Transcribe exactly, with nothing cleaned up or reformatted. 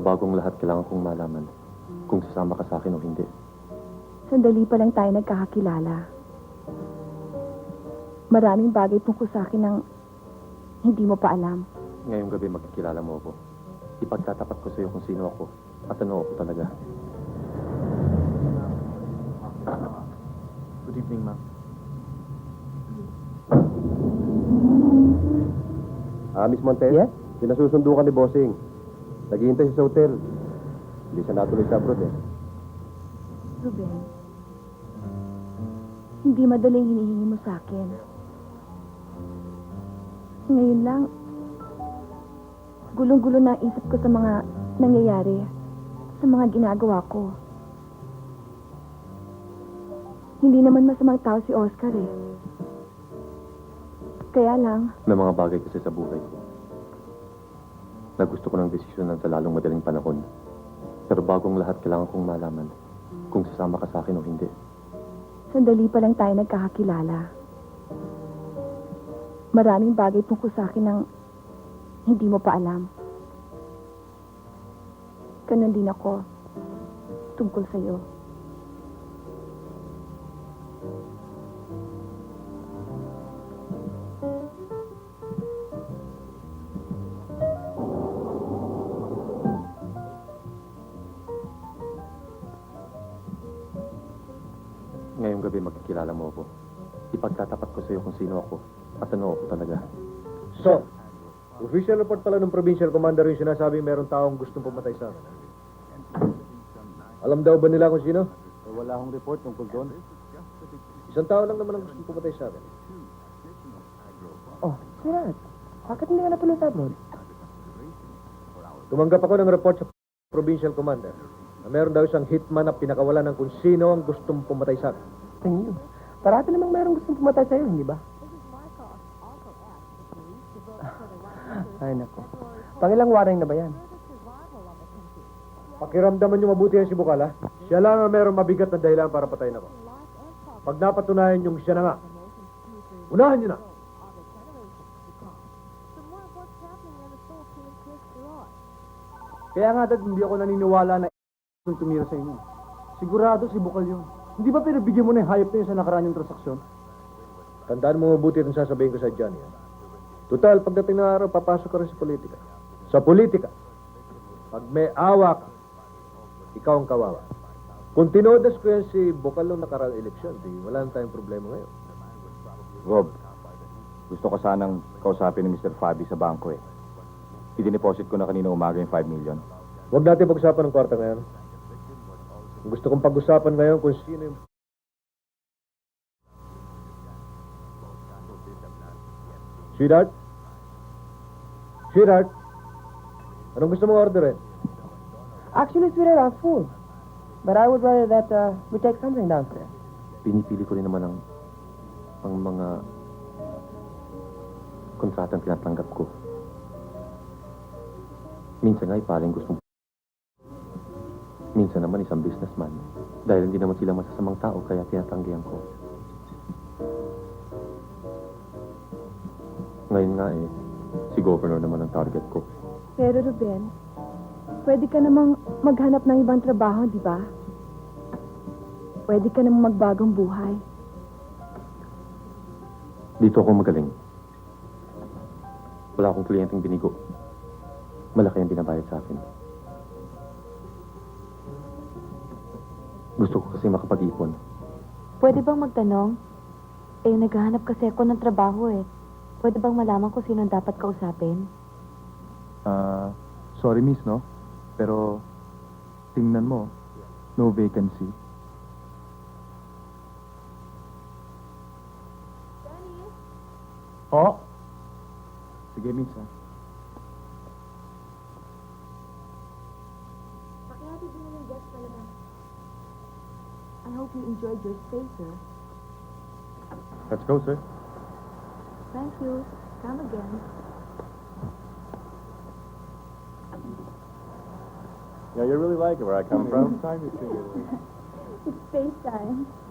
bagong lahat, kailangan kong malaman kung sasama ka sa akin o hindi. Sandali pa lang tayo nagkakakilala. Maraming bagay tungkol sa akin ang hindi mo pa alam. Ngayong gabi magkikilala mo ako. Ipagtatapat ko sa iyo kung sino ako at ano ako talaga. Good evening, ma'am. Ah, Miss Montes? Yes? Pinasusundo ka ni Bossing. Naghihintay siya sa hotel. Hindi siya natuloy sa abroad eh. Ruben, hindi madaling hinihingi mo sa akin. Ngayon lang, gulong-gulo na ang isip ko sa mga nangyayari, sa mga ginagawa ko. Hindi naman masamang tao si Oscar eh. Kaya lang, May mga bagay kasi sa buhay ko na gusto ko ng desisyonan sa lalong madaling panahon. Pero bagong lahat, kailangan kong malaman kung sasama ka sa akin o hindi. sandali pa lang tayo nagkakakilala. Maraming bagay tungkol sa akin ang hindi mo pa alam. Ganun din ako tungkol sa'yo. Ngayong gabi magkikilala mo ako. Ipagtatapat ko sa iyo kung sino ako at ano ako talaga. So, official report pala ng provincial commander yung sinasabi meron taong gustong pumatay sa akin. Alam daw ba nila kung sino? Eh, wala akong report tungkol doon. Isang tao lang naman ang gustong pumatay sa akin. Oh, Sirat, bakit hindi ka natuloy sa abroad? Tumanggap ako ng report sa provincial commander na meron daw isang hitman na pinakawalan ng kung sino ang gustong pumatay sa akin. Tingin nyo. Parati namang mayroong gustong pumatay sa'yo, hindi ba? Ay, nako. Pangilang waring na ba yan? Pakiramdaman niyo mabuti yan si Bukala. Siya lang ang meron mabigat na dahilan para patayin ako. Pag napatunayan yung siya na nga, unahan niyo na. Kaya nga, Dad, hindi ako naniniwala na yung tumira sa inyo. Sigurado si Bukal yun. Hindi ba pinabigyan mo na yung hayop na yun sa nakaraan yung transaksyon? Tandaan mo mabuti itong sasabihin ko sa Johnny. Ha? Total, pagdating ng araw, papasok ka rin sa politika. Sa politika, pag may awa ka, ikaw ang kawawa. Kung tinodas ko yan si Bukal nung nakaraang eleksyon, di wala na tayong problema ngayon. Rob, gusto ko sanang kausapin ni Mister Fabi sa bangko eh. Idiniposit ko na kanina umaga yung five million. Huwag natin pag-usapan ng kwarta ngayon. Gusto kong pag-usapan ngayon kung sino yung... Sweetheart? Sweetheart? Anong gusto mong orderin? Actually, sweetheart, I'm full. But I would rather that uh, we take something downstairs. Pinipili ko rin naman ang, ang mga kontratang tinatanggap ko. Minsan nga ipaling gustong... Minsan naman isang businessman. Dahil hindi naman sila masasamang tao, kaya tinatanggihan ko. Ngayon nga eh, si Governor naman ang target ko. Pero Ruben, pwede ka namang maghanap ng ibang trabaho, di ba? Pwede ka namang magbagong buhay. Dito ako magaling. Wala akong kliyenteng binigo. Malaki ang binabayad sa akin. Gusto ko kasi makapag-ipon. Pwede bang magtanong? Eh, naghahanap kasi ako ng trabaho eh. Pwede bang malaman ko sino dapat kausapin? Ah, sorry miss, no? Pero, tingnan mo, no vacancy. Oh? Sige, miss, ha? I hope you enjoyed your stay, sir. Let's go, sir. Thank you. Come again. Yeah, you really like it where I come from? It's space time.